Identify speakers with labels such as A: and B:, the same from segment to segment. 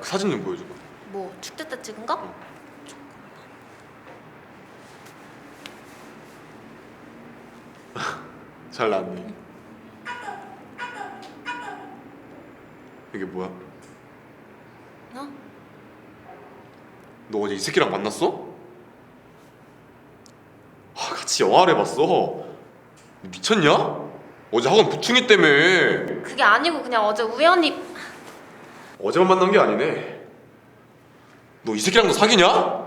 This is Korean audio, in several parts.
A: 사진 좀 보여줘봐.
B: 뭐 축제 때 찍은 거?
A: 잘 나왔네. 이게 뭐야?
B: 어?
A: 너 어제 이 새끼랑 만났어? 같이 영화를 봤어. 미쳤냐? 어제 학원 부충이 때문에.
B: 그게 아니고 그냥 어제 우연히.
A: 어제만 만난 게 아니네. 너 이 새끼랑도 사귀냐?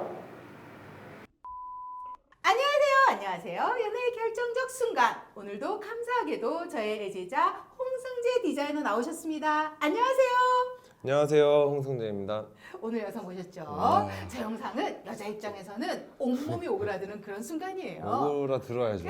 C: 안녕하세요. 연애의 결정적 순간. 오늘도 감사하게도 저의 애제자 홍승재 디자이너 나오셨습니다. 안녕하세요.
D: 안녕하세요, 홍승재입니다.
C: 오늘 여성 보셨죠?
D: 와.
C: 제 영상은 여자 입장에서는 온몸이 오그라드는 그런 순간이에요.
D: 오그라 들어야죠.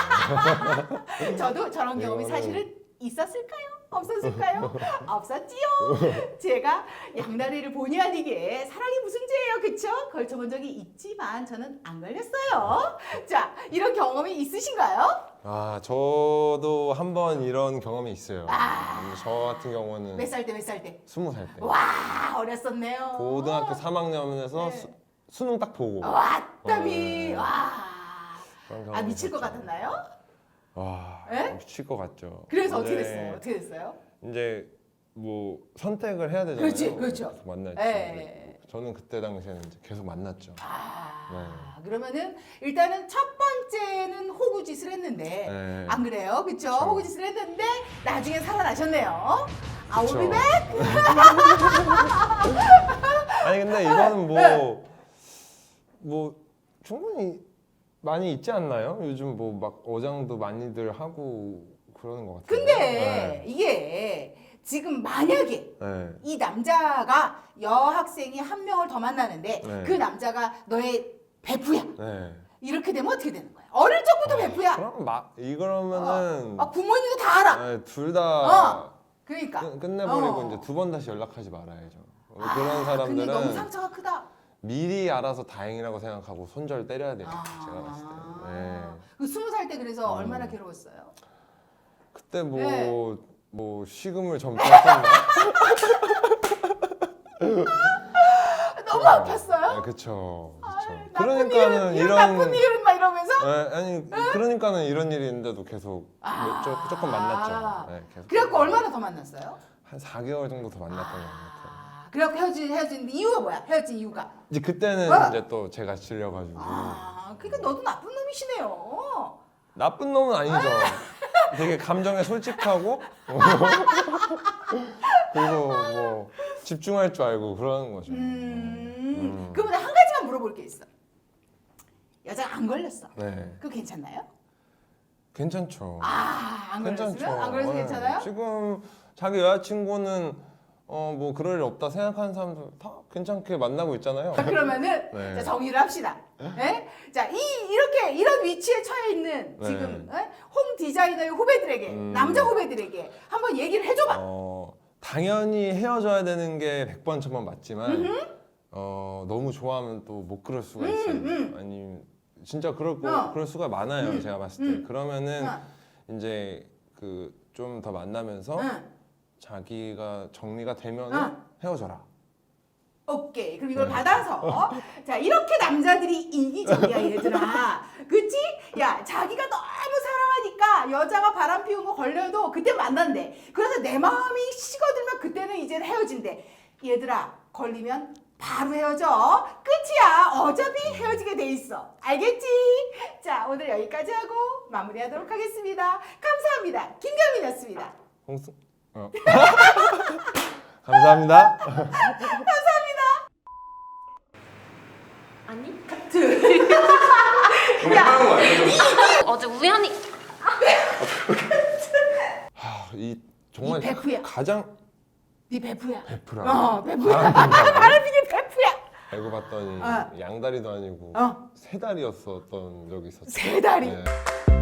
C: 저도 저런 경험이
D: 이거는-
C: 사실은 있었을까요? 없었을까요? 없었지요. 제가 양다리를 본의 아니게 사랑이 무슨 죄예요, 그쵸? 걸쳐본 적이 있지만 저는 안 걸렸어요. 자, 이런 경험이 있으신가요?
D: 아, 저도 한 번 이런 경험이 있어요.
C: 아.
D: 저 같은 경우는
C: 몇 살 때, 몇 살 때?
D: 20살 때.
C: 와, 어렸었네요.
D: 고등학교 3학년에서
C: 네.
D: 수능 딱 보고.
C: 왔다미.
D: 네.
C: 와.
D: 그런
C: 아,
D: 경험이
C: 미칠 것
D: 있었죠.
C: 같았나요?
D: 와,
C: 에?
D: 미칠 것 같죠.
C: 그래서 어떻게
D: 이제-
C: 됐어요? 어떻게 됐어요?
D: 이제 뭐 선택을 해야 되잖아요.
C: 그렇지, 그렇죠.
D: 계속 만날지.
C: 예.
D: 저는 그때 당시에는 이제 계속 만났죠.
C: 아, 그러면은 일단은 첫 번째는 호구짓을 했는데
D: 네.
C: 안 그래요? 그쵸?
D: 그쵸.
C: 호구짓을 했는데 나중에 살아나셨네요. I
D: 그쵸.
C: will be back.
D: 아니 근데 이거는
C: 네.
D: 뭐 충분히 많이 있지 않나요? 요즘 뭐 막 어장도 많이들 하고 그러는 것 같아요.
C: 근데 이게 지금 만약에
D: 네.
C: 이 남자가 여학생이 한 명을 더 만나는데
D: 네.
C: 그 남자가 너의 베프야.
D: 네.
C: 이렇게 되면 어떻게 되는 거야? 어릴 적부터 베프야.
D: 그럼 막 이거면은
C: 부모님도 다 알아.
D: 둘 다
C: 그러니까.
D: 끝내버리고
C: 어.
D: 이제 두 번 다시 연락하지 말아야죠. 그런
C: 근데
D: 사람들은
C: 너무 상처가 크다.
D: 미리 알아서 다행이라고 생각하고 손절 때려야 돼요. 제가 봤을 때. 네.
C: 그 20살 때 그래서
D: 음.
C: 얼마나 괴로웠어요?
D: 그때
C: 네.
D: 뭐 식음을 점쳤었나?
C: 너무 아팠어요?
D: 네, 그쵸.
C: 나쁜
D: 그러니까는
C: 이런 나쁜 일은 막 이러면서
D: 네, 아니 그러니까는 이런 일이 있는데도 계속 조금 만났죠. 네, 계속.
C: 그래갖고 얼마나 더 만났어요?
D: 한 4개월 정도 더 만났던 것 같아요.
C: 그래갖고 헤어진 이유가 뭐야? 헤어진 이유가?
D: 이제 그때는
C: 어.
D: 이제 또 제가 질려가지고
C: 그러니까 너도 나쁜 놈이시네요.
D: 나쁜 놈은 아니죠. 되게 감정에 솔직하고 그리고 뭐 집중할 줄 알고 그러는 거죠.
C: 그러면 한 가지만 물어볼 게 있어. 여자가 안 걸렸어.
D: 네,
C: 그거 괜찮나요?
D: 괜찮죠.
C: 안
D: 괜찮죠.
C: 걸렸으면? 안 걸려서
D: 네.
C: 괜찮아요?
D: 지금 자기 여자친구는 뭐 그럴 일 없다 생각하는 사람들 다 괜찮게 만나고 있잖아요.
C: 그러면은
D: 네.
C: 자, 정리를 합시다. 예? 자, 이렇게 이런 위치에 처해 있는
D: 네.
C: 지금 홍 디자이너의 후배들에게 남자 후배들에게 한번 얘기를 해줘봐.
D: 당연히 헤어져야 되는 게 100번 1000번 맞지만 너무 좋아하면 또 못 그럴 수가 있어요. 아니 진짜 그럴 수가 많아요. 제가 봤을 때. 그러면은 이제 그 좀 더 만나면서 자기가 정리가 되면 헤어져라.
C: 오케이. 그럼 이걸
D: 네.
C: 받아서 자, 이렇게 남자들이 이기적이야, 얘들아. 그치? 야, 자기가 너무 사랑하니까 여자가 바람 피운 거 걸려도 그때 만난대. 그래서 내 마음이 식어들면 그때는 이제 헤어진대. 얘들아, 걸리면 바로 헤어져. 끝이야. 어차피 헤어지게 돼 있어. 알겠지? 자, 오늘 여기까지 하고 마무리하도록 하겠습니다. 감사합니다. 김경민이었습니다.
D: 감사합니다.
B: 아니?
A: 공부하는 거 아니야?
B: 어제 우연히.
D: 이 정말
C: 이 베프야.
D: 가장
C: 네 베프야.
D: 베프라.
C: 베프야. 바람 피게 베프야.
D: 알고 봤더니 양다리도 아니고
C: 어.
D: 세 다리였었던 적이 있었어요.
C: 세 다리.
D: 네.